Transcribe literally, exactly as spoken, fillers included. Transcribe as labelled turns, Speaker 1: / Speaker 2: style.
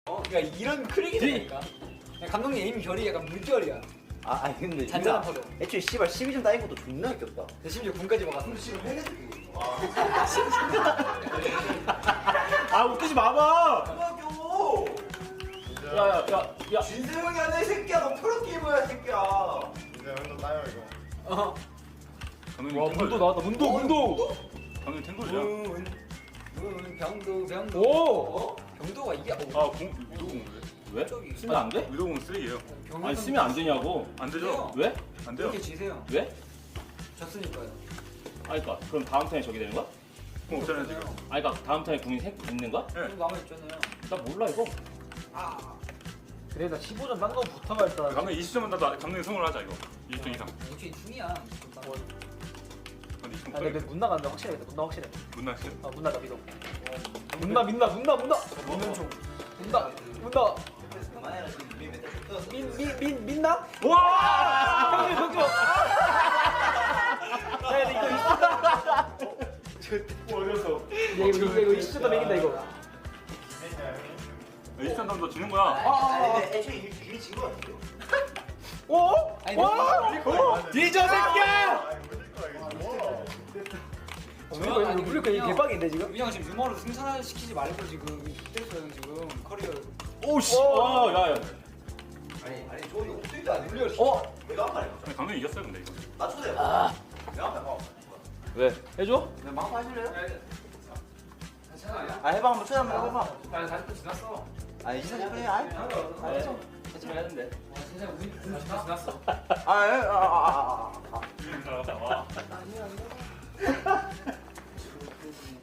Speaker 1: 어, 그러니까 이런 크랙이니까. 감독님 에임 결이 약간 물결이야.
Speaker 2: 아, 아니 근데
Speaker 1: 잔잔한 파도.
Speaker 2: 애초에 씨발 십이 점 따인 것도 존나 웃겼다.
Speaker 1: 근데 심지어 군까지 막았어.
Speaker 2: 지금 해내줄게.
Speaker 3: 아 웃기지 마봐.
Speaker 2: 그만둬.
Speaker 3: 야야야 야. 야.
Speaker 2: 진세형이 아니야 이 새끼야. 너 프로게이머야 이 새끼야.
Speaker 4: 이제 형도 따요 이거.
Speaker 1: 어.
Speaker 3: 와 문도 나왔다. 문도 문도.
Speaker 5: 방금 탱골이야.
Speaker 1: 문, 문, 병도, 병도.
Speaker 3: 오.
Speaker 1: 어? 병도가 이게 어,
Speaker 5: 아, 공 위도공 왜?
Speaker 3: 왜?
Speaker 1: 저기.
Speaker 3: 쓰면 안 돼?
Speaker 5: 위도공 쓰레기예요.
Speaker 1: 병도
Speaker 3: 아니 쓰면 안 되냐고.
Speaker 5: 안 되죠?
Speaker 3: 왜?
Speaker 5: 안 돼요.
Speaker 1: 이렇게 지세요.
Speaker 3: 왜?
Speaker 1: 졌으니까요.
Speaker 3: 아니 그니까 그럼 다음 턴에 저기 되는 거야?
Speaker 5: 공 없잖아요 지금.
Speaker 3: 아니 그니까 다음 턴에 궁이 생 있는 거야?
Speaker 5: 네.
Speaker 1: 좀 남아있잖아요.
Speaker 3: 나 몰라 이거.
Speaker 1: 아.
Speaker 6: 그래 나 십오 점 딴거 붙어가 일단.
Speaker 5: 감독 이십 점은 나도 감독님 성공을 하자 이거. 이십 점 이상.
Speaker 1: 역시 중이야.
Speaker 5: 근데 이십 점
Speaker 6: 아 근데 문 나간다 확실해. 문 나 확실해.
Speaker 5: 못 나시.
Speaker 6: 아 문 나다 믿어. 문나 민나 문나 문나.
Speaker 1: 문은 좀.
Speaker 6: 문나 문나.
Speaker 2: 그만해라 지금 우리 맨날 줬어.
Speaker 6: 민민민 민나?
Speaker 3: 와!
Speaker 6: 형님 형님. 야 이거 이거
Speaker 3: 어디서?
Speaker 6: 야 이거 이거 이거 이십 점 이긴다 이거.
Speaker 5: 이십 점 너 지는 거야.
Speaker 2: 아니 근데 애초에 이미 진거 같아요.
Speaker 6: 오?
Speaker 1: 아니,
Speaker 6: 오?
Speaker 4: 오!
Speaker 3: 뒤져 새끼야!
Speaker 4: 아 이거 물릴 거야 이거.
Speaker 6: 우리 거 이거 우리 거 이거 개빡인데 지금?
Speaker 1: 그냥 지금 유머로 승산시키지 말고 지금 됐어요 지금 커리어.
Speaker 3: 오씨. 와, 야, 야.
Speaker 2: 아니 아니 저 이거 옵데이트 안 눌려.
Speaker 6: 어?
Speaker 2: 내가 한 말이야.
Speaker 5: 아니, 감독님 이겼어요 근데 이거.
Speaker 2: 나 초대. 아. 내가 한 말.
Speaker 3: 왜? 해줘?
Speaker 2: 내 마음 하실래요?
Speaker 1: 괜찮아요?
Speaker 2: 아 해봐 한번 초대 한번 해봐.
Speaker 1: 아니 사십 분 지났어.
Speaker 2: 아 이십 분 그래. 아이.
Speaker 3: 해줘야 하는데.
Speaker 1: 와 진짜 우리 분 지났어.
Speaker 2: 아, 예, 아, 아, 아, 아, 아.
Speaker 5: 이기는 사람 와.
Speaker 1: 아니야 아니야.